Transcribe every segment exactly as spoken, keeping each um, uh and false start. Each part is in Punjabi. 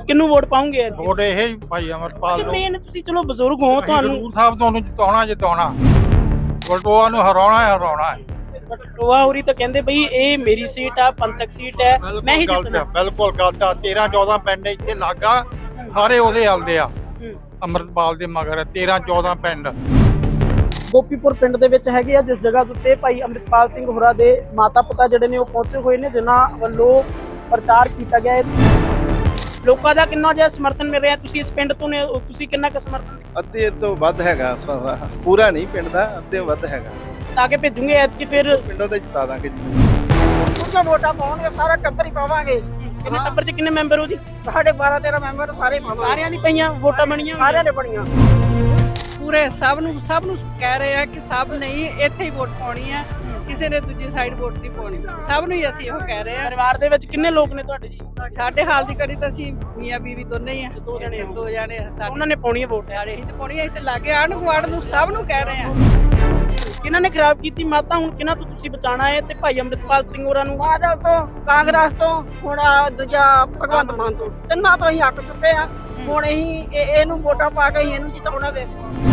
ਕਿਹਨੂੰ ਵੋਟ ਪਾਉਂਗੇ? ਵੋਟ ਇਹ ਹੀ ਭਾਈ ਅਮਰਪਾਲ ਨੂੰ। ਮੇਨ ਤੁਸੀਂ ਚਲੋ ਬਜ਼ੁਰਗ ਹੋ, ਤੁਹਾਨੂੰ ਹਜ਼ੂਰ ਸਾਹਿਬ ਤੁਹਾਨੂੰ ਜਿਤਾਉਣਾ ਜਿਤਾਉਣਾ, ਵਲਟੋਆ ਨੂੰ ਹਰਾਉਣਾ ਹੈ ਹਰਾਉਣਾ ਹੈ। ਵਲਟੋਆ ਹੋਰੀ ਤਾਂ ਕਹਿੰਦੇ ਬਈ ਇਹ ਮੇਰੀ ਸੀਟ ਆ, ਪੰਥਕ ਸੀਟ ਹੈ, ਮੈਂ ਹੀ ਜਿੱਤਣਾ। ਬਿਲਕੁਲ ਗਲਤ ਆ। ਤੇਰਾਂ ਚੌਦਾਂ ਪਿੰਡ ਇੱਥੇ ਲਾਗਾ ਸਾਰੇ ਉਹਦੇ ਹਲਦੇ ਆ, ਅਮਰਪਾਲ ਦੇ ਮਗਰ ਤੇਰਾਂ ਚੌਦਾਂ ਪਿੰਡ। ਗੋਪੀਪੁਰ ਪਿੰਡ ਦੇ ਵਿੱਚ ਹੈਗੇ ਆ ਜਿਸ ਜਗ੍ਹਾ ਉੱਤੇ ਭਾਈ ਅੰਮ੍ਰਿਤਪਾਲ ਸਿੰਘ ਹੋਰਾਂ ਦੇ ਮਾਤਾ ਪਿਤਾ ਜਿਹੜੇ ਨੇ ਉਹ ਪਹੁੰਚੇ ਹੋਏ ਨੇ, ਜਿਨ੍ਹਾਂ ਵੱਲੋਂ ਪ੍ਰਚਾਰ ਕੀਤਾ ਗਿਆ ਹੈ। ਲੋਕਾਂ ਦਾ ਕਿੰਨਾ ਜਿਹਾ ਸਮਰਥਨ ਮਿਲ ਰਿਹਾ? ਤੁਸੀਂ ਇਸ ਪਿੰਡ ਤੋਂ ਨੇ, ਤੁਸੀਂ ਕਿੰਨਾ ਕੁ ਸਮਰਥਨ? ਅੱਧੇ ਤੋਂ ਵੱਧ ਹੈਗਾ, ਪੂਰਾ ਨਹੀਂ ਪਿੰਡ ਦਾ, ਅੱਧੇ ਵੱਧ ਹੈਗਾ। ਤਾਂ ਕਿ ਭੇਜੂਗੇ ਐਤਕੀ ਫਿਰ ਪਿੰਡੋਂ ਤੇ ਜਿਤਾ ਦਾਂਗੇ ਜੀ। ਉਹਨਾਂ ਵੋਟਾਂ ਪਾਉਣਗੇ, ਸਾਰਾ ਟੱਬਰ ਹੀ ਪਾਵਾਂਗੇ। ਕਿੰਨੇ ਟੱਬਰ 'ਚ ਕਿੰਨੇ ਮੈਂਬਰ ਹੋ ਜੀ? ਸਾਡੇ ਬਾਰਾਂ ਤੇਰਾਂ ਮੈਂਬਰ ਸਾਰੇ ਪਾਵਾਂਗੇ। ਸਾਰਿਆਂ ਦੀ ਪਈਆਂ ਵੋਟਾਂ ਬਣੀਆਂ? ਸਾਰਿਆਂ ਦੇ ਬਣੀਆਂ। ਪੂਰੇ ਸਭ ਨੂੰ ਸਭ ਨੂੰ ਕਹਿ ਰਹੇ ਆ ਕਿ ਸਭ ਨਹੀਂ ਇੱਥੇ ਹੀ ਵੋਟ ਪਾਉਣੀ ਆ, ਕਿਸੇ ਨੇ ਦੂਜੀ ਸਾਈਡ ਵੋਟ ਨਹੀਂ ਪਾਉਣੀ। ਸਭ ਨੂੰ ਹੀ ਅਸੀਂ ਇਹੋ ਕਹਿ ਰਹੇ ਆ। ਪਰਿਵਾਰ ਦੇ ਵਿੱਚ ਕਿੰਨੇ ਲੋਕ ਨੇ ਤੁਹਾਡੇ ਜੀ? ਸਾਡੇ ਹਾਲ ਦੀ ਘੜੀ ਤਾਂ ਅਸੀਂ ਮੀਆਂ ਬੀਵੀ ਦੋਨੇ ਹੀ ਆ, ਦੋ ਜਣੇ ਹੋ। ਦੋ ਜਣੇ ਆ। ਸਾਡੇ ਉਹਨਾਂ ਨੇ ਪਾਉਣੀ ਹੈ ਵੋਟ? ਸਾਰੇ ਹੀ ਤੇ ਪਾਉਣੀ ਆ। ਇੱਥੇ ਲਾਗੇ ਆਣ ਗੁਆੜ ਨੂੰ ਸਭ ਨੂੰ ਕਹਿ ਰਹੇ ਆ। ਕਿਹਨਾਂ ਨੇ ਖਰਾਬ ਕੀਤੀ ਮਾਤਾ? ਹੁਣ ਕਿਹਨਾਂ ਤੋਂ ਤੁਸੀਂ ਬਚਾਣਾ ਹੈ? ਤੇ ਭਾਈ ਅੰਮ੍ਰਿਤਪਾਲ ਸਿੰਘ ਹੋਰਾਂ ਨੂੰ ਬਾਦਲ ਤੋਂ, ਕਾਂਗਰਸ ਤੋਂ, ਹੁਣ ਆਹ ਦੂਜਾ ਭਗਵੰਤ ਮਾਨ ਤੋਂ, ਤਿੰਨਾਂ ਤੋਂ ਹੀ ਹੱਕ ਚੁੱਕੇ ਆ। ਹੁਣ ਅਸੀਂ ਇਹ- ਇਹਨੂੰ ਵੋਟਾਂ ਪਾ ਕੇ ਅਸੀਂ ਇਹਨੂੰ ਜਿਤਾਉਣਾ ਵੇ।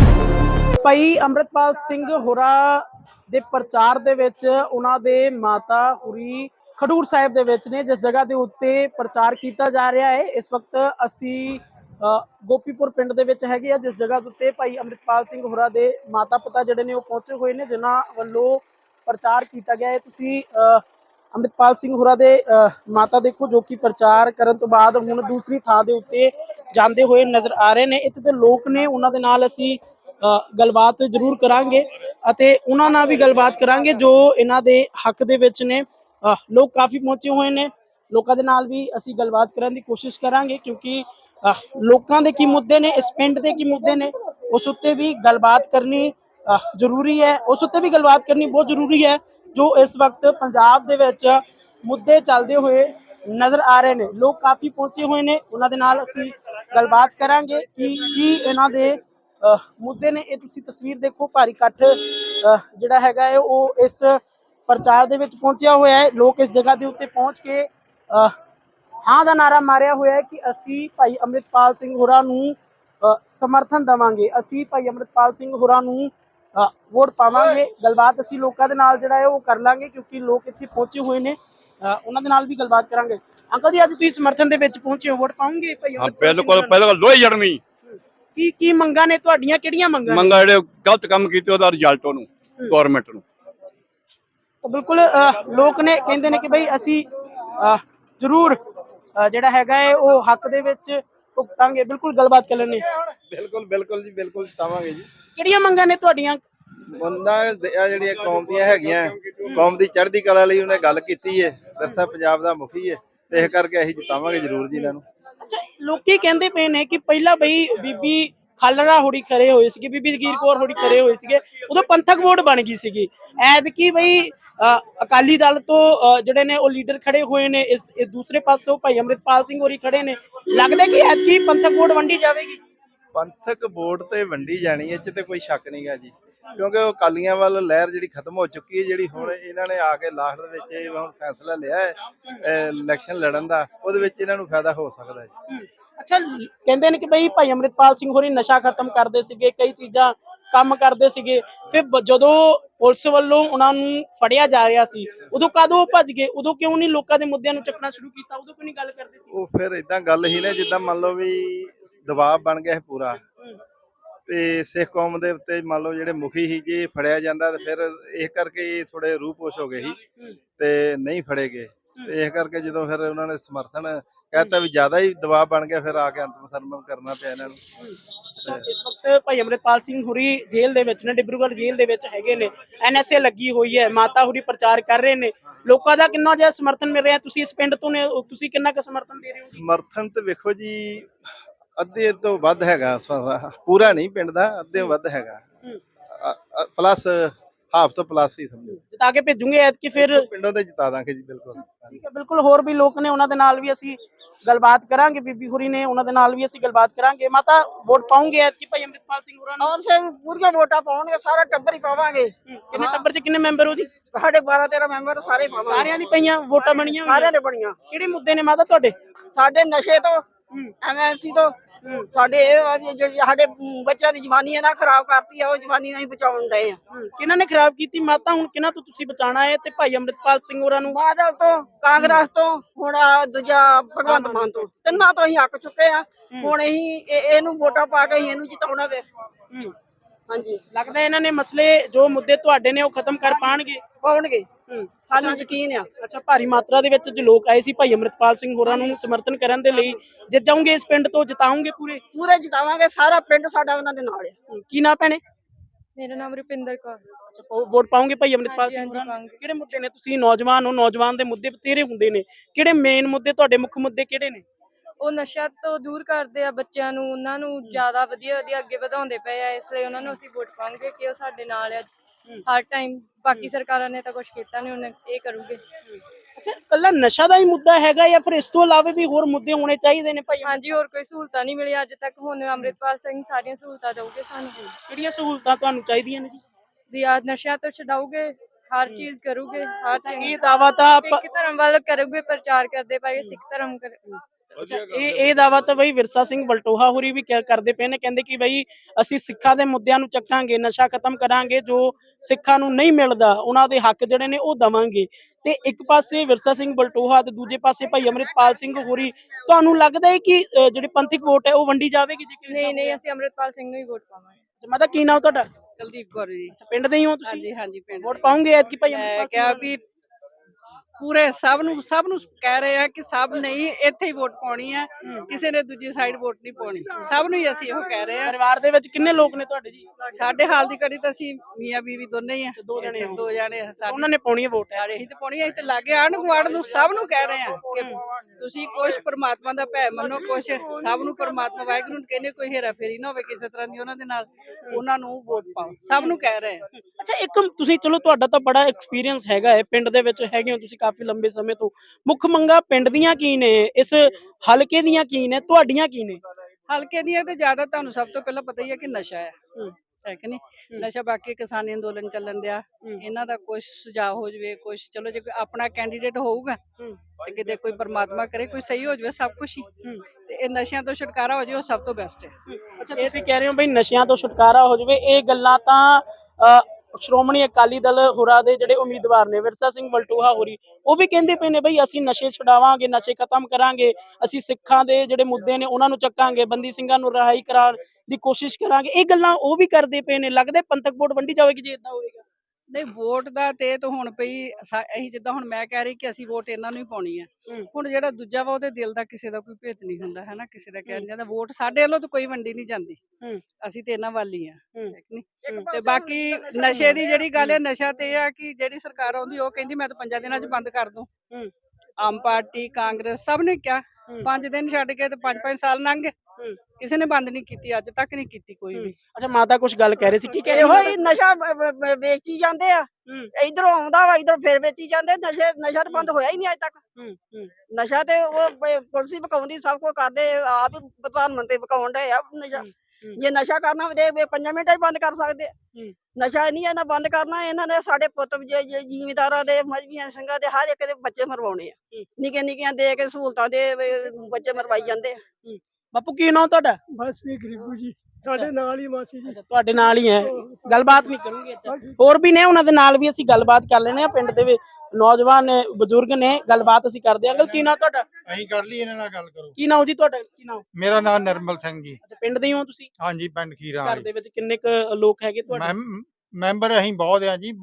ਭਾਈ ਅੰਮ੍ਰਿਤਪਾਲ ਸਿੰਘ ਹੋਰਾਂ ਦੇ ਪ੍ਰਚਾਰ ਦੇ ਵਿੱਚ ਉਹਨਾਂ ਦੇ ਮਾਤਾ ਹੁਰੀ ਖਡੂਰ ਸਾਹਿਬ ਦੇ ਵਿੱਚ ਨੇ, ਜਿਸ ਜਗ੍ਹਾ ਦੇ ਉੱਤੇ ਪ੍ਰਚਾਰ ਕੀਤਾ ਜਾ ਰਿਹਾ ਹੈ। ਇਸ ਵਕਤ ਅਸੀਂ ਗੋਪੀਪੁਰ ਪਿੰਡ ਦੇ ਵਿੱਚ ਹੈਗੇ ਆ ਜਿਸ ਜਗ੍ਹਾ ਦੇ ਉੱਤੇ ਭਾਈ ਅੰਮ੍ਰਿਤਪਾਲ ਸਿੰਘ ਹੋਰਾਂ ਦੇ ਮਾਤਾ ਪਿਤਾ ਜਿਹੜੇ ਨੇ ਉਹ ਪਹੁੰਚੇ ਹੋਏ ਨੇ, ਜਿਨ੍ਹਾਂ ਵੱਲੋਂ ਪ੍ਰਚਾਰ ਕੀਤਾ ਗਿਆ ਹੈ। ਤੁਸੀਂ ਅੰਮ੍ਰਿਤਪਾਲ ਸਿੰਘ ਹੋਰਾਂ ਦੇ ਮਾਤਾ ਦੇਖੋ, ਜੋ ਕਿ ਪ੍ਰਚਾਰ ਕਰਨ ਤੋਂ ਬਾਅਦ ਹੁਣ ਦੂਸਰੀ ਥਾਂ ਦੇ ਉੱਤੇ ਜਾਂਦੇ ਹੋਏ ਨਜ਼ਰ ਆ ਰਹੇ ਨੇ। ਇੱਥੇ ਦੇ ਲੋਕ ਨੇ, ਉਹਨਾਂ ਦੇ ਨਾਲ ਅਸੀਂ ਗੱਲਬਾਤ ਜ਼ਰੂਰ ਕਰਾਂਗੇ ਅਤੇ ਉਹਨਾਂ ਨਾਲ ਵੀ ਗੱਲਬਾਤ ਕਰਾਂਗੇ ਜੋ ਇਹਨਾਂ ਦੇ ਹੱਕ ਦੇ ਵਿੱਚ ਨੇ। ਲੋਕ ਕਾਫੀ ਪਹੁੰਚੇ ਹੋਏ ਨੇ, ਲੋਕਾਂ ਦੇ ਨਾਲ ਵੀ ਅਸੀਂ ਗੱਲਬਾਤ ਕਰਨ ਦੀ ਕੋਸ਼ਿਸ਼ ਕਰਾਂਗੇ, ਕਿਉਂਕਿ ਲੋਕਾਂ ਦੇ ਕੀ ਮੁੱਦੇ ਨੇ, ਇਸ ਪਿੰਡ ਦੇ ਕੀ ਮੁੱਦੇ ਨੇ, ਉਸ ਉੱਤੇ ਵੀ ਗੱਲਬਾਤ ਕਰਨੀ ਜ਼ਰੂਰੀ ਹੈ। ਉਸ ਉੱਤੇ ਵੀ ਗੱਲਬਾਤ ਕਰਨੀ ਬਹੁਤ ਜ਼ਰੂਰੀ ਹੈ ਜੋ ਇਸ ਵਕਤ ਪੰਜਾਬ ਦੇ ਵਿੱਚ ਮੁੱਦੇ ਚੱਲਦੇ ਹੋਏ ਨਜ਼ਰ ਆ ਰਹੇ ਨੇ। ਲੋਕ ਕਾਫੀ ਪਹੁੰਚੇ ਹੋਏ ਨੇ, ਉਹਨਾਂ ਦੇ ਨਾਲ ਅਸੀਂ ਗੱਲਬਾਤ ਕਰਾਂਗੇ ਕਿ ਕੀ ਇਹਨਾਂ ਦੇ ਮੁੱਦੇ ਨੇ। ਇਹ ਤੁਸੀਂ ਤਸਵੀਰ ਦੇਖੋ, ਭਾਰੀ ਇਕੱਠ ਜਿਹੜਾ ਹੈਗਾ ਹੈ ਉਹ ਇਸ ਪ੍ਰਚਾਰ ਦੇ ਵਿੱਚ ਪਹੁੰਚਿਆ ਹੋਇਆ ਹੈ। ਲੋਕ ਇਸ ਜਗ੍ਹਾ ਦੇ ਉੱਤੇ ਪਹੁੰਚ ਕੇ ਹਾਂ ਦਾ ਨਾਰਾ ਮਾਰਿਆ ਹੋਇਆ ਹੈ ਕਿ ਅਸੀਂ ਭਾਈ ਅੰਮ੍ਰਿਤਪਾਲ ਸਿੰਘ ਹੋਰਾਂ ਨੂੰ ਸਮਰਥਨ ਦੇਵਾਂਗੇ, ਅਸੀਂ ਭਾਈ ਅੰਮ੍ਰਿਤਪਾਲ ਸਿੰਘ ਹੋਰਾਂ ਨੂੰ ਵੋਟ ਪਾਵਾਂਗੇ। ਗੱਲਬਾਤ ਅਸੀਂ ਲੋਕਾਂ ਦੇ ਨਾਲ ਜਿਹੜਾ ਹੈ ਉਹ ਕਰ ਲਾਂਗੇ, ਕਿਉਂਕਿ ਲੋਕ ਇੱਥੇ ਪਹੁੰਚੇ ਹੋਏ ਨੇ, ਉਹਨਾਂ ਦੇ ਨਾਲ ਵੀ ਗੱਲਬਾਤ ਕਰਾਂਗੇ। ਅੰਕਲ ਜੀ, ਅੱਜ ਤੁਸੀਂ ਸਮਰਥਨ ਦੇ ਵਿੱਚ ਪਹੁੰਚੇ ਹੋ, ਵੋਟ ਪਾਉਂਗੇ ਭਾਈ? ਹਾਂ ਬਿਲਕੁਲ, ਬਿਲਕੁਲ ਲੋਹੀ ਜੜਨੀ। ਕੀ ਕੀ ਮੰਗਾਂ ਨੇ ਤੁਹਾਡੀਆਂ? ਕਿਹੜੀਆਂ ਮੰਗਾਂ? ਮੰਗਾਂ ਜਿਹੜੇ ਗਲਤ ਕੰਮ ਕੀਤੇ ਉਹਦਾ ਰਿਜ਼ਲਟ ਉਹਨੂੰ ਗਵਰਨਮੈਂਟ ਨੂੰ। ਤਾਂ ਬਿਲਕੁਲ ਲੋਕ ਨੇ ਕਹਿੰਦੇ ਨੇ ਕਿ ਬਈ ਅਸੀਂ ਜ਼ਰੂਰ ਜਿਹੜਾ ਹੈਗਾ ਹੈ ਉਹ ਹੱਕ ਦੇ ਵਿੱਚ ਭੁਗਤਾਂਗੇ। ਬਿਲਕੁਲ ਗੱਲਬਾਤ ਕਰ ਲੈਣੇ। ਬਿਲਕੁਲ ਬਿਲਕੁਲ ਜੀ, ਬਿਲਕੁਲ ਜਿਤਾਵਾਂਗੇ ਜੀ। ਕਿਹੜੀਆਂ ਮੰਗਾਂ ਨੇ ਤੁਹਾਡੀਆਂ? ਬੰਦਾ ਜਿਹੜੀਆਂ ਕੌਮ ਦੀਆਂ ਹੈਗੀਆਂ, ਕੌਮ ਦੀ ਚੜ੍ਹਦੀ ਕਲਾ ਲਈ ਉਹਨੇ ਗੱਲ ਕੀਤੀ ਹੈ। ਦਰਸਾ ਪੰਜਾਬ ਦਾ ਮੁਖੀ ਹੈ ਤੇ ਇਸ ਕਰਕੇ ਅਸੀਂ ਜਿਤਾਵਾਂਗੇ ਜ਼ਰੂਰ ਜੀ ਇਹਨਾਂ ਨੂੰ। ਅੱਛਾ, ਲੋਕੀ ਕਹਿੰਦੇ ਪਏ ਨੇ ਕਿ ਪਹਿਲਾਂ ਬਈ ਬੀਬੀ ਖਾਲੜਾ ਹੋੜੀ ਖੜੇ ਹੋਏ ਸੀਗੇ, ਬੀਬੀ ਜਗੀਰ ਕੌਰ ਹੋੜੀ ਖੜੇ ਹੋਏ ਸੀਗੇ, ਉਦੋਂ ਪੰਥਕ ਵੋਟ ਬਣ ਗਈ ਸੀਗੀ। ਐਤਕੀ ਬਈ ਅਕਾਲੀ ਦਲ ਤੋਂ ਜਿਹੜੇ ਨੇ ਉਹ ਲੀਡਰ ਖੜੇ ਹੋਏ ਨੇ, ਇਸ ਦੂਸਰੇ ਪਾਸੋਂ ਭਾਈ ਅੰਮ੍ਰਿਤਪਾਲ ਸਿੰਘ ਹੋਰੀ ਖੜੇ ਨੇ। ਲੱਗਦਾ ਕਿ ਐਤਕੀ ਪੰਥਕ ਵੋਟ ਵੰਡੀ ਜਾਵੇਗੀ? ਪੰਥਕ ਵੋਟ ਤੇ ਵੰਡੀ ਜਾਣੀ ਹੈ, ਇਹ 'ਚ ਤੇ ਕੋਈ ਸ਼ੱਕ ਨਹੀਂ ਗਾ ਜੀ, ਕਿਉਂਕਿ ਉਹ ਅਕਾਲੀਆਂ ਵੱਲ ਲਹਿਰ ਜਿਹੜੀ ਖਤਮ ਹੋ ਚੁੱਕੀ ਹੈ। ਜਿਹੜੀ ਹੁਣ ਇਹਨਾਂ ਨੇ ਆ ਕੇ ਲਾਸਟ ਦੇ ਵਿੱਚ ਇਹ ਹੁਣ ਫੈਸਲਾ ਲਿਆ ਹੈ ਇਲੈਕਸ਼ਨ ਲੜਨ ਦਾ, ਉਹਦੇ ਵਿੱਚ ਇਹਨਾਂ ਨੂੰ ਫਾਇਦਾ ਹੋ ਸਕਦਾ ਹੈ। ਅੱਛਾ, ਕਹਿੰਦੇ ਨੇ ਕਿ ਬਈ ਭਾਈ ਅੰਮ੍ਰਿਤਪਾਲ ਸਿੰਘ ਹੋਰੀ ਨਸ਼ਾ ਖਤਮ ਕਰਦੇ ਸੀਗੇ, ਕਈ ਚੀਜ਼ਾਂ ਕੰਮ ਕਰਦੇ ਸੀਗੇ, ਫਿਰ ਜਦੋਂ ਪੁਲਿਸ ਵੱਲੋਂ ਉਹਨਾਂ ਨੂੰ ਫੜਿਆ ਜਾ ਰਿਹਾ ਸੀ ਉਦੋਂ ਕਦੋਂ ਭੱਜ ਗਏ? ਉਦੋਂ ਕਿਉਂ ਨਹੀਂ ਲੋਕਾਂ ਦੇ ਮੁੱਦਿਆਂ ਨੂੰ ਚੱਕਣਾ ਸ਼ੁਰੂ ਕੀਤਾ? ਉਦੋਂ ਕਿਉਂ ਨਹੀਂ ਗੱਲ ਕਰਦੇ ਸੀ? ਉਹ ਫਿਰ ਏਦਾਂ ਗੱਲ ਹੀ ਨੇ, ਜਿੱਦਾਂ ਮੰਨ ਲਓ ਵੀ ਦਬਾਅ ਬਣ ਗਿਆ ਹੈ ਪੂਰਾ, ਤੇ ਸਿੱਖ ਕੌਮ ਦੇ ਉੱਤੇ ਮੰਨ ਲਓ ਜਿਹੜੇ ਮੁਖੀ ਸੀ ਜੇ ਫੜਿਆ ਜਾਂਦਾ ਤੇ ਫਿਰ ਇਸ ਕਰਕੇ ਥੋੜੇ ਰੂਪੋਸ਼ ਹੋ ਗਏ ਸੀ ਤੇ ਨਹੀਂ ਫੜੇ ਗਏ। ਇਸ ਕਰਕੇ ਜਦੋਂ ਫਿਰ ਉਹਨਾਂ ਨੇ ਸਮਰਥਨ कहता भी ज्यादा ही दबाव बन गया, फिर आके आत्मसमर्पण करना ਪਿਆ ਇਹਨਾਂ ਨੂੰ। ਇਸ ਵਕਤ ਭਾਈ ਅੰਮ੍ਰਿਤਪਾਲ ਸਿੰਘ ਹੁਰੀ ਜੇਲ੍ਹ ਦੇ ਵਿੱਚ ਨੇ, ਡਿਬਰੂਗੜ੍ਹ ਜੇਲ੍ਹ ਦੇ ਵਿੱਚ ਹੈਗੇ ਨੇ, ਐਨ ਐਸ ਏ ਲੱਗੀ ਹੋਈ ਹੈ, ਮਾਤਾ ਹੁਰੀ ਪ੍ਰਚਾਰ ਕਰ ਰਹੇ ਨੇ। ਲੋਕਾਂ ਦਾ ਕਿੰਨਾ ਜਿਹਾ ਸਮਰਥਨ ਮਿਲ ਰਿਹਾ? ਤੁਸੀਂ ਇਸ ਪਿੰਡ ਤੋਂ ਨੇ, ਤੁਸੀਂ ਕਿੰਨਾ ਕੁ ਸਮਰਥਨ ਦੇ ਰਹੇ ਹੋ? ਸਮਰਥਨ ਤੇ ਵੇਖੋ ਜੀ, ਅੱਧੇ ਤੋਂ ਵੱਧ ਹੈਗਾ, ਪੂਰਾ ਨਹੀਂ ਪਿੰਡ ਦਾ, ਅੱਧੇ ਵੱਧ ਹੈਗਾ, ਪਲੱਸ ਹਾਫ ਤੋਂ ਪਲੱਸ ਹੀ ਸਮਝੋ। ਜਿਤਾ ਕੇ ਭੇਜੂਗੇ ਐਤਕੀ ਫਿਰ? ਪਿੰਡੋਂ ਤੇ ਜਿਤਾ ਦਾਂਗੇ ਜੀ, ਬਿਲਕੁਲ ਠੀਕ ਹੈ। ਬਿਲਕੁਲ ਹੋਰ ਵੀ ਲੋਕ ਨੇ, ਉਹਨਾਂ ਦੇ ਨਾਲ ਵੀ ਅਸੀਂ ਗੱਲਬਾਤ ਕਰਾਂਗੇ। ਬੀਬੀ ਹੁਰੀ ਨੇ, ਉਹਨਾਂ ਦੇ ਨਾਲ ਵੀ ਅਸੀਂ ਗੱਲਬਾਤ ਕਰਾਂਗੇ। ਮਾਤਾ, ਵੋਟ ਪਾਉਂਗੇ ਐਤਕੀ ਭਾਈ ਅੰਮ੍ਰਿਤਪਾਲ ਸਿੰਘ ਹੋਰਾਂ ਨੂੰ? ਔਰ ਸੇ ਪੂਰੀਆਂ ਵੋਟਾਂ ਪਾਉਣਗੇ, ਸਾਰਾ ਟੱਬਰ ਹੀ ਪਾਵਾਂਗੇ। ਕਿੰਨੇ ਟੱਬਰ 'ਚ ਕਿੰਨੇ ਮੈਂਬਰ ਹੋ ਜੀ? ਸਾਡੇ ਬਾਰਾਂ ਤੇਰਾਂ ਮੈਂਬਰ ਸਾਰੇ ਪਾਵਾਂਗੇ। ਸਾਰਿਆਂ ਦੀ ਪਈਆਂ ਵੋਟਾਂ ਬਣੀਆਂ? ਸਾਰਿਆਂ ਦੇ ਬਣੀਆਂ। ਕਿਹੜੇ ਮੁੱਦੇ ਨੇ ਮਾਤਾ ਤੁਹਾਡੇ? ਸਾਡੇ ਨਸ਼ੇ ਤੋਂ, ਐਵੇਂ ਅਸੀਂ ਤਾਂ ਸਾਡੇ ਇਹ ਵਾ ਵੀ ਜੋ ਸਾਡੇ ਬੱਚਿਆਂ ਦੀ ਜਵਾਨੀ ਇਹਨਾਂ ਖਰਾਬ ਕਰਤੀ ਆ ਉਹ ਜਵਾਨੀ ਨਹੀਂ ਬਚਾਉਣ ਡਏ ਆ। ਕਿਹਨਾਂ ਨੇ ਖਰਾਬ ਕੀਤੀ ਮਾਤਾ? ਹੁਣ ਕਿਹਨਾਂ ਤੋਂ ਤੁਸੀਂ ਬਚਾਣਾ ਹੈ? ਤੇ ਭਾਈ ਅੰਮ੍ਰਿਤਪਾਲ ਸਿੰਘ ਹੋਰਾਂ ਨੂੰ ਬਾਦਲ ਤੋਂ, ਕਾਂਗਰਸ ਤੋਂ, ਹੁਣ ਆਹ ਦੂਜਾ ਭਗਵੰਤ ਮਾਨ ਤੋਂ, ਤਿੰਨਾਂ ਤੋਂ ਅਸੀਂ ਅੱਕ ਚੁੱਕੇ ਆ। ਹੁਣ ਅਸੀਂ ਇਹ- ਇਹਨੂੰ ਵੋਟਾਂ ਪਾ ਕੇ ਅਸੀਂ ਇਹਨੂੰ ਜਿਤਾਉਣਾ ਵੇ। ਹਾਂਜੀ, ਲੱਗਦਾ ਇਹਨਾਂ ਨੇ ਮਸਲੇ ਜੋ ਮੁੱਦੇ ਤੁਹਾਡੇ ਨੇ ਉਹ ਖਤਮ ਕਰ ਪਾਣਗੇ। ਪਾਉਣਗੇ, ਸਾਨੂੰ ਯਕੀਨ ਆ। ਅੱਛਾ, ਭਾਰੀ ਮਾਤਰਾ ਦੇ ਵਿੱਚ ਜੋ ਲੋਕ ਆਏ ਸੀ ਭਾਈ ਅੰਮ੍ਰਿਤਪਾਲ ਸਿੰਘ ਹੋਰਾਂ ਨੂੰ ਸਮਰਥਨ ਕਰਨ ਦੇ ਲਈ, ਜੇ ਜਾਓਗੇ ਇਸ ਪਿੰਡ ਤੋਂ ਜਿਤਾਉਂਗੇ ਪੂਰੇ? ਪੂਰੇ ਜਿਤਾਵਾਂਗੇ, ਸਾਰਾ ਪਿੰਡ ਸਾਡਾ ਉਹਨਾਂ ਦੇ ਨਾਲ ਆ। ਕੀ ਨਾਂ ਭੈਣੇ? ਮੇਰਾ ਨਾਮ ਰੁਪਿੰਦਰ ਕੌਰ। ਅੱਛਾ, ਪਾ- ਵੋਟ ਪਾਉਂਗੇ ਭਾਈ ਅੰਮ੍ਰਿਤਪਾਲ ਹਾਂਜੀ, ਸਿੰਘ ਹਾਂਜੀ, ਹੋਰਾਂ ਨੂੰ? ਪਾਵਾਂਗੇ। ਕਿਹੜੇ ਮੁੱਦੇ ਨੇ? ਤੁਸੀਂ ਨੌਜਵਾਨ ਹੋ, ਨੌਜਵਾਨ ਦੇ ਮੁੱਦੇ ਬਥੇਰੇ ਹੁੰਦੇ ਨੇ, ਕਿਹੜੇ ਮੇਨ ਮੁੱਦੇ ਤੁਹਾਡੇ ਮੁੱਖ ਮੁੱਦੇ ਕਿਹੜੇ ਨੇ? ਉਹ ਨਸ਼ਾ ਤੋਂ ਦੂਰ ਕਰਦੇ ਆ ਬੱਚਿਆਂ ਨੂੰ, ਉਹਨਾਂ ਨੂੰ ਜ਼ਿਆਦਾ ਵਧੀਆ ਵਧੀਆ ਅੱਗੇ ਵਧਾਉਂਦੇ ਪਏ ਆ, ਇਸ ਲਈ ਉਹਨਾਂ ਨੂੰ ਅਸੀਂ ਵੋਟ ਪਾਵਾਂਗੇ ਕਿ ਉਹ ਸਾਡੇ ਨਾਲ ਆ ਹਰ ਟਾਈਮ। ਬਾਕੀ ਸਰਕਾਰਾਂ ਨੇ ਤਾਂ ਕੁਝ ਕੀਤਾ ਨਹੀਂ, ਉਹਨੇ ਇਹ ਕਰੂਗੇ। ਅੱਛਾ, ਕੱਲਾ ਨਸ਼ਾ ਦਾ ਹੀ ਮੁੱਦਾ ਹੈਗਾ ਜਾਂ ਫਿਰ ਇਸ ਤੋਂ ਇਲਾਵਾ ਵੀ ਹੋਰ ਮੁੱਦੇ ਹੋਣੇ ਚਾਹੀਦੇ ਨੇ ਭਾਈ? ਹਾਂਜੀ, ਹੋਰ ਕੋਈ ਸਹੂਲਤਾਂ ਨਹੀਂ ਮਿਲੀ ਅੱਜ ਤੱਕ। ਹੁਣ ਅੰਮ੍ਰਿਤਪਾਲ ਸਿੰਘ ਸਾਰੀਆਂ ਸਹੂਲਤਾਂ ਦਊਗੇ ਸਾਨੂੰ, ਕਿਹੜੀਆਂ ਸਹੂਲਤਾਂ ਤੁਹਾਨੂੰ ਚਾਹੀਦੀਆਂ ਨੇ ਜੀ? ਵੀ ਆ ਨਸ਼ਿਆਂ ਤੋਂ ਛਡਾਊਗੇ, ਹਰ ਚੀਜ਼ ਕਰੂਗੇ, ਹਰ ਚੀਜ਼। ਇਹ ਦਾਵਾ ਤਾਂ ਆਪਾਂ- ਸਿੱਖ ਧਰਮ ਵੱਲ ਕਰੂਗੇ, ਪ੍ਰਚਾਰ ਕਰਦੇ ਪਏ ਸਿੱਖ ਧਰਮ ਕਰ- ਅੱਛਾ, ਇਹ ਇਹ ਦਾਵਾ ਤਾਂ ਬਈ ਵਿਰਸਾ ਸਿੰਘ ਬਲਟੋਹਾ ਹੋਰੀ ਵੀ ਕ- ਕਰਦੇ ਪਏ ਨੇ, ਕਹਿੰਦੇ ਕਿ ਬਈ ਅਸੀਂ ਸਿੱਖਾਂ ਦੇ ਮੁੱਦਿਆਂ ਨੂੰ ਚੱਕਾਂਗੇ, ਨਸ਼ਾ ਖਤਮ ਕਰਾਂਗੇ, ਜੋ ਸਿੱਖਾਂ ਨੂੰ ਨਹੀਂ ਮਿਲਦਾ ਉਹਨਾਂ ਦੇ ਹੱਕ ਜਿਹੜੇ ਨੇ ਉਹ ਦਵਾਂਗੇ। ਤੇ ਇੱਕ ਪਾਸੇ ਵਿਰਸਾ ਸਿੰਘ ਬਲਟੋਹਾ ਤੇ ਦੂਜੇ ਪਾਸੇ ਭਾਈ ਅੰਮ੍ਰਿਤਪਾਲ ਸਿੰਘ ਹੋਰੀ, ਤੁਹਾਨੂੰ ਲੱਗਦਾ ਹੈ ਕਿ ਅ, ਜਿਹੜੀ ਪੰਥਕ ਵੋਟ ਹੈ ਉਹ ਵੰਡੀ ਜਾਵੇਗੀ ਜੀ? ਨਹੀਂ ਨਹੀਂ, ਅਸੀਂ ਅੰਮ੍ਰਿਤਪਾਲ ਸਿੰਘ ਨੂੰ ਹੀ ਵੋਟ ਪਾਵਾਂਗੇ। ਮਾਤਾ ਕੀ ਨਾਮ ਤੁਹਾਡਾ? ਕੁਲਦੀਪ ਕੌਰ ਜੀ। ਅੱਛਾ, ਪਿੰਡ ਦੇ ਹੀ ਹੋ ਤੁਸੀਂ? ਹਾਂਜੀ ਹਾਂਜੀ, ਪਿੰਡ ਵੋਟ ਪਾਉਂਗੇ ਐਤਕੀ ਭਾਈ ਮੈਂ ਅੰਮ੍ਰਿਤਪਾਲ ਕਿਹਾ ਸਿੰਘ? ਵੀ ਪੂਰੇ ਸਭ ਨੂੰ ਸਭ ਨੂੰ ਕਹਿ ਰਹੇ ਆ ਕਿ ਸਭ ਨਹੀਂ ਇੱਥੇ ਹੀ ਵੋਟ ਪਾਉਣੀ ਹੈ, ਕਿਸੇ ਨੇ ਦੂਜੀ ਸਾਈਡ ਵੋਟ ਨਹੀਂ ਪਾਉਣੀ, ਸਭ ਨੂੰ ਹੀ ਅਸੀਂ ਇਹੋ ਕਹਿ ਰਹੇ ਆ। ਪਰਿਵਾਰ ਦੇ ਵਿੱਚ ਕਿੰਨੇ ਲੋਕ ਨੇ ਤੁਹਾਡੇ ਜੀ? ਸਾਡੇ ਹਾਲ ਦੀ ਘੜੀ ਤਾਂ ਅਸੀਂ ਮੀਆਂ ਬੀਵੀ ਦੋਨੇ ਹੀ ਆ, ਦੋ ਜਣੇ ਹੋ। ਦੋ ਜਣੇ ਆ ਸਾਡੇ। ਉਹਨਾਂ ਨੇ ਪਾਉਣੀ ਹੈ ਵੋਟ? ਸਾਰੇ ਹੀ ਤੇ ਪਾਉਣੀ ਆ, ਤੇ ਲਾਗੇ ਆਂਢ ਗੁਆਂਢ ਨੂੰ ਸਭ ਨੂੰ ਕਹਿ ਰਹੇ ਆ ਕਿ ਤੁਸੀਂ ਕੁਛ ਪ੍ਰਮਾਤਮਾ ਦਾ ਭੈ ਮੰਨੋ, ਕੁਛ ਸਭ ਨੂੰ ਪ੍ਰਮਾਤਮਾ ਵਾਹਿਗੁਰੂ ਨੂੰ ਕਹਿੰਦੇ ਕੋਈ ਹੇਰਾ ਫੇਰੀ ਨਾ ਹੋਵੇ ਕਿਸੇ ਤਰ੍ਹਾਂ ਦੀ ਉਹਨਾਂ ਦੇ ਨਾਲ, ਉਹਨਾਂ ਨੂੰ ਵੋਟ ਪਾਓ, ਸਭ ਨੂੰ ਕਹਿ ਰਹੇ ਆ। ਅੱਛਾ, ਇੱਕ ਤੁਸੀਂ ਚਲੋ ਤੁਹਾਡਾ ਤਾਂ ਬੜਾ ਐਕਸਪੀਰੀਅੰਸ ਹੈਗਾ ਹੈ, ਪਿੰਡ ਦੇ ਵਿੱਚ ਹੈਗੇ ਹੋ ਤੁਸੀਂ ਕਾਫੀ ਲੰਬੇ ਸਮੇਂ ਤੋਂ, ਮੁੱਖ ਮੰਗਾਂ ਪਿੰਡ ਦੀਆਂ ਕੀ ਨੇ, ਇਸ ਹਲਕੇ ਦੀਆਂ ਕੀ ਨੇ, ਤੁਹਾਡੀਆਂ ਕੀ ਨੇ? ਹਲਕੇ ਦੀਆਂ ਤੇ ਜ਼ਿਆਦਾ ਤੁਹਾਨੂੰ ਸਭ ਤੋਂ ਪਹਿਲਾਂ ਪਤਾ ਹੀ ਹੈ ਕਿ ਨਸ਼ਾ ਹੈ, ਹੈ ਕਿ ਨਹੀਂ? ਨਸ਼ਾ, ਬਾਕੀ ਕਿਸਾਨੀ ਅੰਦੋਲਨ ਚੱਲਣ ਦਿਆ, ਇਹਨਾਂ ਦਾ ਕੁਝ ਸੁਝਾਅ ਹੋ ਜਵੇ, ਕੁਝ ਚਲੋ ਜੇ ਕੋਈ ਆਪਣਾ ਕੈਂਡੀਡੇਟ ਹੋਊਗਾ ਤੇ ਕਿਤੇ ਕੋਈ ਪਰਮਾਤਮਾ ਕਰੇ ਕੋਈ ਸਹੀ ਹੋ ਜਵੇ ਸਭ ਕੁਝ ਹੀ, ਤੇ ਇਹ ਨਸ਼ਿਆਂ ਤੋਂ ਛੁਟਕਾਰਾ ਹੋ ਜਾਵੇ ਉਹ ਸਭ ਤੋਂ ਬੈਸਟ ਹੈ। ਅੱਛਾ, ਤੁਸੀਂ ਕਹਿ ਰਹੇ ਹੋ ਬਈ ਨਸ਼ਿਆਂ ਤੋਂ ਛੁਟਕਾਰਾ ਹੋ ਜਾਵੇ, ਇਹ ਗੱਲਾਂ ਤਾਂ ਅ, ਸ਼੍ਰੋਮਣੀ ਅਕਾਲੀ ਦਲ ਹੋਰਾਂ ਦੇ ਜਿਹੜੇ ਉਮੀਦਵਾਰ ਨੇ ਵਿਰਸਾ ਸਿੰਘ ਬਲਟੋਹਾ ਹੋਰੀ, ਉਹ ਵੀ ਕਹਿੰਦੇ ਪਏ ਨੇ ਬਈ ਅਸੀਂ ਨਸ਼ੇ ਛੁਡਾਵਾਂਗੇ, ਨਸ਼ੇ ਖਤਮ ਕਰਾਂਗੇ, ਅਸੀਂ ਸਿੱਖਾਂ ਦੇ ਜਿਹੜੇ ਮੁੱਦੇ ਨੇ ਉਹਨਾਂ ਨੂੰ ਚੱਕਾਂਗੇ, ਬੰਦੀ ਸਿੰਘਾਂ ਨੂੰ ਰਿਹਾਈ ਕਰਾਉਣ ਦੀ ਕੋਸ਼ਿਸ਼ ਕਰਾਂਗੇ। ਇਹ ਗੱਲਾਂ ਉਹ ਵੀ ਕਰਦੇ ਪਏ ਨੇ, ਲੱਗਦਾ ਪੰਥਕ ਵੋਟ ਵੰਡੀ ਜਾਵੇਗੀ ਜੇ ਇਦਾਂ ਹੋਵੇਗਾ? ਨਹੀਂ, ਵੋਟ ਦਾ ਤੇ ਤਾਂ ਹੁਣ ਪਈ ਸਾ- ਅਸੀਂ ਜਿੱਦਾਂ ਹੁਣ ਮੈਂ ਕਹਿ ਰਹੀ ਕਿ ਅਸੀਂ ਵੋਟ ਇਹਨਾਂ ਨੂੰ ਹੀ ਪਾਉਣੀ ਹੈ, ਹੁਣ ਜਿਹੜਾ ਦੂਜਾ ਵਾ ਉਹਦੇ ਦਿਲ ਦਾ ਕਿਸੇ ਦਾ ਕੋਈ ਭੇਤ ਨਹੀਂ ਹੁੰਦਾ, ਹੈ ਨਾ? ਕਿਸੇ ਦਾ ਕਹਿ ਜਾਂਦਾ ਵੋਟ ਸਾਡੇ ਵੱਲੋਂ ਤਾਂ ਕੋਈ ਵੰਡੀ ਨਹੀਂ ਜਾਂਦੀ, ਅਸੀਂ ਤੇ ਇਹਨਾਂ ਵੱਲ ਹੀ ਆ, ਠੀਕ ਨੀ? ਤੇ ਬਾਕੀ ਨਸ਼ੇ ਦੀ ਜਿਹੜੀ ਗੱਲ ਹੈ, ਨਸ਼ਾ ਤੇ ਇਹ ਆ ਕਿ ਜਿਹੜੀ ਸਰਕਾਰ ਆਉਂਦੀ ਉਹ ਕਹਿੰਦੀ ਮੈਂ ਤਾਂ ਪੰਜਾਂ ਦਿਨਾਂ 'ਚ ਬੰਦ ਕਰ ਦੂੰ। ਆਮ ਪਾਰਟੀ, ਕਾਂਗਰਸ ਸਭ ਨੇ ਕਿਹਾ, ਪੰਜ ਦਿਨ ਛੱਡ ਕੇ ਤੇ ਪੰਜ ਪੰਜ ਸਾਲ ਲੰਘ ਗਏ, ਕਿਸੇ ਨੇ ਬੰਦ ਨਹੀਂ ਕੀਤੀ, ਅੱਜ ਤੱਕ ਨਹੀਂ ਕੀਤੀ ਕੋਈ ਵੀ। ਅੱਛਾ, ਮਾਤਾ ਕੁਝ ਗੱਲ ਕਹਿ ਰਹੀ ਸੀ, ਕੀ ਕਹਿ ਰਹੇ ਇਹੋ ਹੋ? ਹੀ ਨਸ਼ਾ ਬ- ਬ- ਬ- ਵੇਚੀ ਜਾਂਦੇ ਆ, ਇਧਰੋਂ ਆਉਂਦਾ ਵਾ ਇਧਰ ਫੇਰ ਵੇਚੀ ਜਾਂਦੇ। ਨਸ਼ੇ ਨਸ਼ਾ ਤਾਂ ਬੰਦ ਹੋਇਆ ਹੀ ਨਹੀਂ ਅੱਜ ਤੱਕ। ਨਸ਼ਾ ਤੇ ਉਹ ਪ- ਪੁਲਿਸ ਹੀ ਵਿਕਾਉਂਦੀ, ਸਭ ਕੁਝ ਕਰਦੇ, ਆਪ ਹੀ ਪ੍ਰਧਾਨ ਮੰਤਰੀ ਵਿਕਾਉਣ ਡਏ ਆ ਨਸ਼ਾ। ਜੇ ਨਸ਼ਾ ਕਰਨਾ ਹੋਵੇ ਤੇ ਪੰਜਾਂ ਮਿੰਟਾਂ 'ਚ ਬੰਦ ਕਰ ਸਕਦੇ ਆ। ਨਸ਼ਾ ਨਹੀਂ ਇਹਨਾਂ ਬੰਦ ਕਰਨਾ, ਇਹਨਾਂ ਨੇ ਸਾਡੇ ਪੁੱਤ ਜ਼ਿਮੀਂਦਾਰਾਂ ਦੇ, ਮਜ਼੍ਹਬੀਆਂ ਸਿੰਘਾਂ ਦੇ, ਹਰ ਇੱਕ ਦੇ ਬੱਚੇ ਮਰਵਾਉਣੇ ਆ, ਨਿੱਕੇ ਨਿੱਕੀਆਂ ਦੇ ਕੇ ਸਹੂਲਤਾਂ ਦੇ ਅਹ, ਬੱਚੇ ਮਰਵਾਈ ਜਾਂਦੇ ਆ। ਬਾਪੂ ਕੀ ਨਾਮ ਤੁਹਾਡਾ? ਬਸ ਇਹ ਗਰੀਬੂ ਜੀ ਸਾਡੇ ਨਾਲ ਹੀ ਮਾਸੀ ਜੀ। ਅੱਛਾ, ਤੁਹਾਡੇ ਨਾਲ ਹੀ ਹੈ, ਗੱਲਬਾਤ ਵੀ ਕਰੂੰਗੇ। ਅੱਛਾ, ਹੋਰ ਵੀ ਨੇ, ਉਹਨਾਂ ਦੇ ਨਾਲ ਵੀ ਅਸੀਂ ਗੱਲਬਾਤ ਕਰ ਲੈਣੇ ਆ, ਪਿੰਡ ਦੇ ਵਿੱਚ ਨੌਜਵਾਨ ਨੇ, ਬਜ਼ੁਰਗ ਨੇ, ਗੱਲਬਾਤ ਅਸੀਂ ਕਰਦੇ ਆ। ਅੰਕਲ ਕੀ ਨਾਮ ਤੁਹਾਡਾ? ਅਸੀਂ ਕਰ ਲਈ, ਇਹਨਾਂ ਨਾਲ ਗੱਲ ਕਰੋ। ਕੀ ਨਾਮ ਜੀ ਤੁਹਾਡਾ? ਕੀ ਨਾਮ? ਮੇਰਾ ਨਾਮ ਨਿਰਮਲ ਸਿੰਘ ਜੀ। ਅੱਛਾ, ਪਿੰਡ ਦੇ ਹੀ ਹੋ ਤੁਸੀਂ? ਹਾਂਜੀ, ਪਿੰਡ ਖੀਰਾ ਘਰ ਦੇ ਵਿੱਚ ਕਿੰਨੇ ਕੁ ਲੋਕ ਹੈਗੇ ਤੁਹਾਡੇ? ਮੈਮ- ਮੈਂਬਰ ਅਸੀਂ ਬਹੁਤ ਆ ਜੀ,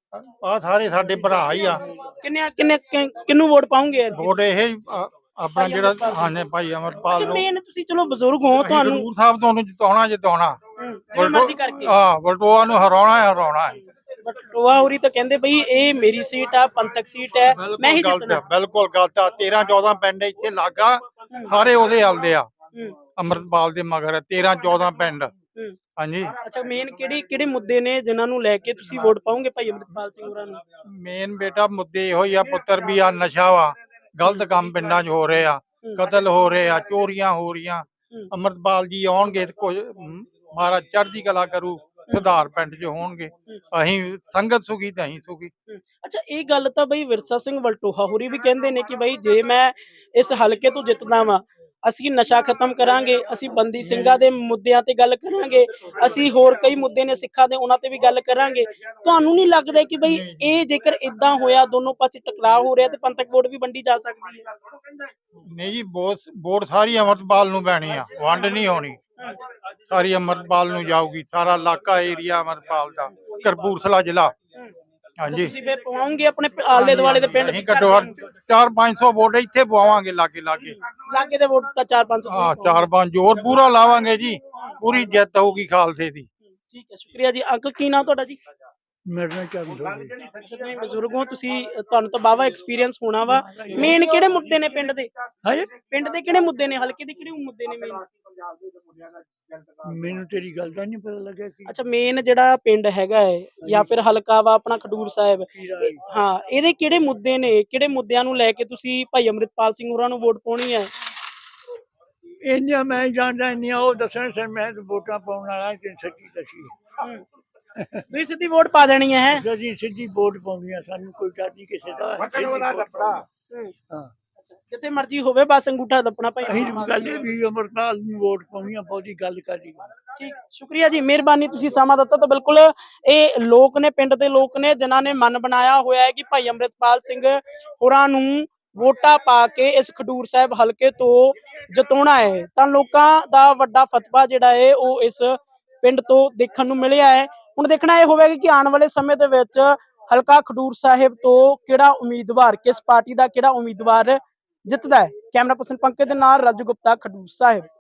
ਆ ਸਾਰੇ ਸਾਡੇ ਭਰਾ ਹੀ ਆ। ਕਿੰਨੇ ਕਿੰਨੇ ਕਿ- ਕਿਹਨੂੰ ਵੋਟ ਪਾਉਂਗੇ? ਵੋਟ ਇਹ ਹੀ, ਆ- ਆਪਣਾ ਜਿਹੜਾ ਹਾਂਜੀ ਭਾਈ ਅਮਰਪਾਲ ਨੂੰ। ਮੇਨ ਤੁਸੀਂ ਚਲੋ ਬਜ਼ੁਰਗ ਹੋ, ਤੁਹਾਨੂੰ ਹਜ਼ੂਰ ਸਾਹਿਬ ਤੁਹਾਨੂੰ ਜਿਤਾਉਣਾ ਜਿਤਾਉਣਾ, ਜਿਵੇਂ ਮਰਜ਼ੀ ਕਰਕੇ। ਹਾਂ, ਵਲਟੋਆ ਨੂੰ ਹਰਾਉਣਾ ਹੈ ਹਰਾਉਣਾ ਹੈ। ਬਟੋਆ ਹੋਰੀ ਤਾਂ ਕਹਿੰਦੇ ਬਈ ਇਹ ਮੇਰੀ ਸੀਟ ਆ, ਪੰਥਕ ਸੀਟ ਹੈ, ਮੈਂ ਹੀ ਗਲਤ ਜਿੱਤਣਾ। ਆ, ਬਿਲਕੁਲ ਗਲਤ ਆ। ਤੇਰਾਂ ਚੌਦਾਂ ਪਿੰਡ ਇੱਥੇ ਲਾਗਾ, ਸਾਰੇ ਉਹਦੇ ਹਲਦੇ ਆ, ਅਮਰਪਾਲ ਦੇ ਮਗਰ ਤੇਰਾਂ ਚੌਦਾਂ ਪਿੰਡ। ਹਾਂਜੀ, ਅੱਛਾ, ਮੇਨ ਕਿਹੜੀ ਕਿਹੜੇ ਮੁੱਦੇ ਨੇ ਜਿਨ੍ਹਾਂ ਨੂੰ ਲੈ ਕੇ ਤੁਸੀਂ ਵੋਟ ਪਾਉਂਗੇ ਭਾਈ ਅੰਮ੍ਰਿਤਪਾਲ ਸਿੰਘ ਹੋਰਾਂ ਨੂੰ? ਮੇਨ ਬੇਟਾ ਮੁੱਦੇ ਇਹੋ ਹੀ ਆ, ਪੁੱਤਰ ਵੀ ਆ, ਨਸ਼ਾ ਵਾ, ਗਲਤ ਕੰਮ ਪਿੰਡਾਂ 'ਚ ਹੋ ਰਹੇ ਆ, ਕਤਲ ਹੋ ਰਹੇ ਆ, ਚੋਰੀਆਂ ਹੋ ਰਹੀਆਂ। ਅਮਰਪਾਲ ਜੀ ਆਉਣਗੇ ਤੇ ਕੁਝ ਮਹਾਰਾਜ ਚੜ੍ਹਦੀ ਕਲਾ ਕਰੂ, ਸੁਧਾਰ ਪਿੰਡ 'ਚ ਹੋਣਗੇ। ਅਸੀਂ ਸੰਗਤ ਸੁਖੀ ਤੇ ਅਸੀਂ ਸੁਖੀ। ਅੱਛਾ, ਇਹ ਗੱਲ ਤਾਂ ਬਈ ਵਿਰਸਾ ਸਿੰਘ ਵਲਟੋਹਾ ਹੋਰੀ ਵੀ ਕਹਿੰਦੇ ਨੇ ਕਿ ਬਈ ਜੇ ਮੈਂ ਇਸ ਹਲਕੇ ਤੋਂ ਜਿੱਤਦਾ ਵਾਂ ਅਸੀਂ ਨਸ਼ਾ ਖਤਮ ਕਰਾਂਗੇ, ਅਸੀਂ ਬੰਦੀ ਸਿੰਘਾਂ ਦੇ ਮੁੱਦਿਆਂ ਤੇ ਗੱਲ ਕਰਾਂਗੇ, ਅਸੀਂ ਹੋਰ ਕਈ ਮੁੱਦੇ ਨੇ ਸਿੱਖਾਂ ਦੇ ਉਹਨਾਂ ਤੇ ਵੀ ਗੱਲ ਕਰਾਂਗੇ। ਤੁਹਾਨੂੰ ਨਹੀਂ ਲੱਗਦਾ ਕਿ ਬਈ ਇਹ ਜੇਕਰ ਇਦਾਂ ਹੋਇਆ, ਦੋਨੋਂ ਪਾਸੇ ਟਕਰਾਅ ਹੋ ਰਿਹਾ, ਤੇ ਪੰਥਕ ਵੋਟ ਵੀ ਵੰਡੀ ਜਾ ਸਕਦੀ ਹੈ? ਨਹੀਂ ਜੀ, ਵੋਟ ਵੋਟ ਸਾਰੀ ਅੰਮ੍ਰਿਤਪਾਲ ਨੂੰ ਪੈਣੀ ਆ, ਵੰਡ ਨਹੀਂ ਹੋਣੀ। ਸਾਰੀ ਅੰਮ੍ਰਿਤਪਾਲ ਨੂੰ ਜਾਊਗੀ, ਸਾਰਾ ਇਲਾਕਾ ਏਰੀਆ ਅੰਮ੍ਰਿਤਪਾਲ ਦਾ, ਕਪੂਰਥਲਾ ਜ਼ਿਲ੍ਹਾ। ਹਾਂਜੀ, ਤੁਸੀਂ ਫਿਰ ਪਵਾਉਂਗੇ ਆਪਣੇ ਪ- ਆਲੇ ਦੁਆਲੇ ਦੇ ਪਿੰਡ ਅਸੀਂ ਘੱਟੋ ਘੱਟ ਚਾਰ ਪੰਜ ਸੌ ਵੋਟ ਇੱਥੇ ਪਵਾਵਾਂਗੇ, ਲਾਗੇ ਲਾਗੇ। ਲਾਗੇ ਦੇ ਵੋਟ ਤਾਂ ਚਾਰ ਪੰਜ ਸੌ ਹਾਂ, ਚਾਰ ਪੰਜ ਜ਼ੋਰ ਪੂਰਾ ਲਾਵਾਂਗੇ ਜੀ, ਪੂਰੀ ਜਿੱਤ ਹੋਊਗੀ ਖਾਲਸੇ ਦੀ। ਠੀਕ ਹੈ, ਸ਼ੁਕਰੀਆ ਜੀ। ਅੰਕਲ ਕੀ ਨਾਮ ਤੁਹਾਡਾ ਜੀ? ਮੇਰੇ ਨਾਲ ਚੱਲ ਰਿਹਾ ਅੱਛਾ, ਤੁਸੀਂ ਬਜ਼ੁਰਗ ਹੋ, ਤੁਸੀਂ ਤੁਹਾਨੂੰ ਤਾਂ ਬਾਵਾ ਐਕਸਪੀਰੀਅੰਸ ਹੋਣਾ ਵਾ। ਮੇਨ ਕਿਹੜੇ ਮੁੱਦੇ ਨੇ ਪਿੰਡ ਦੇ? ਹਾਂਜੀ ਪਿੰਡ ਦੇ ਕਿਹੜੇ ਮੁੱਦੇ ਨੇ, ਹਲਕੇ ਦੇ ਕਿਹੜੇ ਮੁੱਦੇ ਨੇ ਮੇਨ? ਮੈਨੂੰ ਤੇਰੀ ਗੱਲ ਦਾ ਨਹੀਂ ਪਤਾ ਲੱਗਿਆ ਕਿ ਅੱਛਾ, ਮੇਨ ਜਿਹੜਾ ਪਿੰਡ ਹੈਗਾ ਹੈ ਜਾਂ ਫਿਰ ਹਲਕਾ ਵਾ ਆਪਣਾ ਖਡੂਰ ਸਾਹਿਬ, ਇਹ- ਹਾਂ, ਇਹਦੇ ਕਿਹੜੇ ਮੁੱਦੇ ਨੇ, ਕਿਹੜੇ ਮੁੱਦਿਆਂ ਨੂੰ ਲੈ ਕੇ ਤੁਸੀਂ ਭਾਈ ਅੰਮ੍ਰਿਤਪਾਲ ਸਿੰਘ ਹੋਰਾਂ ਨੂੰ ਵੋਟ ਪਾਉਣੀ ਹੈ? ਇੰਨੀਆਂ ਮੈਂ ਜਾਣਦਾ, ਇੰਨੀਆਂ ਉਹ ਦੱਸਣ ਸਰ, ਮੈਂ ਤਾਂ ਵੋਟਾਂ ਪਾਉਣ ਵਾਲਾ ਕਿ ਸੱਚੀ ਸੱਚੀ ਤੁਸੀਂ ਸਿੱਧੀ ਵੋਟ ਪਾ ਦੇਣੀ ਹੈ? ਹੈਂ? ਅਸੀਂ ਸਿੱਧੀ ਵੋਟ ਪਾਉਣੀ ਆ, ਸਾਨੂੰ ਕੋਈ ਡਰ ਨਹੀਂ ਕਿਸੇ ਦਾ। ਸਿੱਧੀ ਵੋਟ ਪਾਉਣੀ। ਹਾਂ, ਅੱਛਾ, ਜਿੱਥੇ ਮਰਜ਼ੀ ਹੋਵੇ, ਬਸ ਅੰਗੂਠਾ ਦੱਬਣਾ ਭਾਈ ਅਸੀਂ ਅੰਮ੍ਰਿਤਪਾਲ ਗੱਲ ਸਿੰਘ। ਇਹ ਵੀ ਅਮਰਪਾਲ ਨੂੰ ਵੋਟ ਪਾਉਣੀ ਆ, ਬਹੁਤੀ ਗੱਲ ਕਰੀ। ਠੀਕ, ਸ਼ੁਕਰੀਆ ਜੀ, ਮਿਹਰਬਾਨੀ, ਤੁਸੀਂ ਸਮਾਂ ਦਿੱਤਾ। ਤਾਂ ਬਿਲਕੁਲ ਇਹ ਲੋਕ ਨੇ, ਪਿੰਡ ਦੇ ਲੋਕ ਨੇ, ਜਿਨ੍ਹਾਂ ਨੇ ਮਨ ਬਣਾਇਆ ਹੋਇਆ ਹੈ ਕਿ ਭਾਈ ਅੰਮ੍ਰਿਤਪਾਲ ਸਿੰਘ ਹੋਰਾਂ ਨੂੰ ਵੋਟਾਂ ਪਾ ਕੇ ਇਸ ਖਡੂਰ ਸਾਹਿਬ ਹਲਕੇ ਤੋਂ ਜਿਤਾਉਣਾ ਹੈ। ਤਾਂ ਲੋਕਾਂ ਦਾ ਵੱਡਾ ਫਤਵਾ ਜਿਹੜਾ ਹੈ ਉਹ ਇਸ ਪਿੰਡ ਤੋਂ ਦੇਖਣ ਨੂੰ ਮਿਲਿਆ ਹੈ। ਹੁਣ ਦੇਖਣਾ ਇਹ ਹੋਵੇਗਾ ਕਿ ਆਉਣ ਵਾਲੇ ਸਮੇਂ ਦੇ ਵਿੱਚ ਹਲਕਾ ਖਡੂਰ ਸਾਹਿਬ ਤੋਂ ਕਿਹੜਾ ਉਮੀਦਵਾਰ, ਕਿਸ ਪਾਰਟੀ ਦਾ ਕਿਹੜਾ ਉਮੀਦਵਾਰ ਜਿੱਤਦਾ ਹੈ। ਕੈਮਰਾ ਪਰਸਨ ਪੰਕਜ ਦੇ ਨਾਲ ਰਾਜੂ ਗੁਪਤਾ, ਖਡੂਰ ਸਾਹਿਬ।